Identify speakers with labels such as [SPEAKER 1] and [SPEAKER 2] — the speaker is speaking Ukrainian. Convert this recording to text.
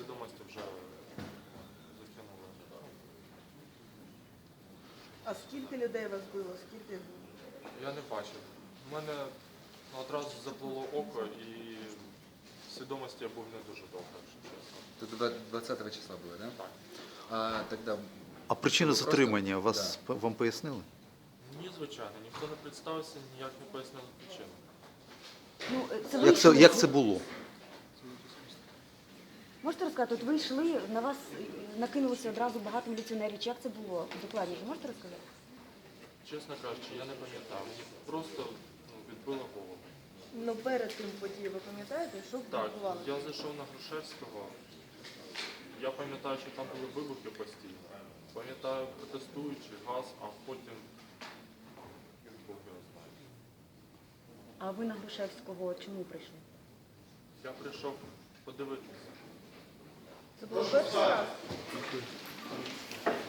[SPEAKER 1] свідомості вже закинули.
[SPEAKER 2] А скільки людей вас було? Скільки?
[SPEAKER 1] Я не бачив. У мене одразу заплило око і в свідомості я був не дуже довго, якщо чесно.
[SPEAKER 3] Это 20 числа было, да?
[SPEAKER 1] Так.
[SPEAKER 3] А тогда...
[SPEAKER 4] А причина
[SPEAKER 3] Просто-
[SPEAKER 4] затримання вам пояснили?
[SPEAKER 1] Ні, звичайно, ніхто не представився, ніяк не пояснив причину.
[SPEAKER 5] Ну, це ви йшли?
[SPEAKER 4] Як це було?
[SPEAKER 5] Можете розказати, от ви йшли, на вас накинулося одразу багато міліціонерів. Чи як це було докладніше? Можете розказати?
[SPEAKER 1] Чесно кажучи, я не пам'ятав. Мені просто відбило голову.
[SPEAKER 2] Ну перед тим подією, ви пам'ятаєте, що
[SPEAKER 1] Так,
[SPEAKER 2] відбувалося?
[SPEAKER 1] я зайшов на Грушевського. Я пам'ятаю, що там були вибухи постійно. Пам'ятаю протестуючи, газ, а потім Бог його знає.
[SPEAKER 5] А ви на Грушевського чому прийшли?
[SPEAKER 1] Я прийшов подивитися.
[SPEAKER 2] Це було перше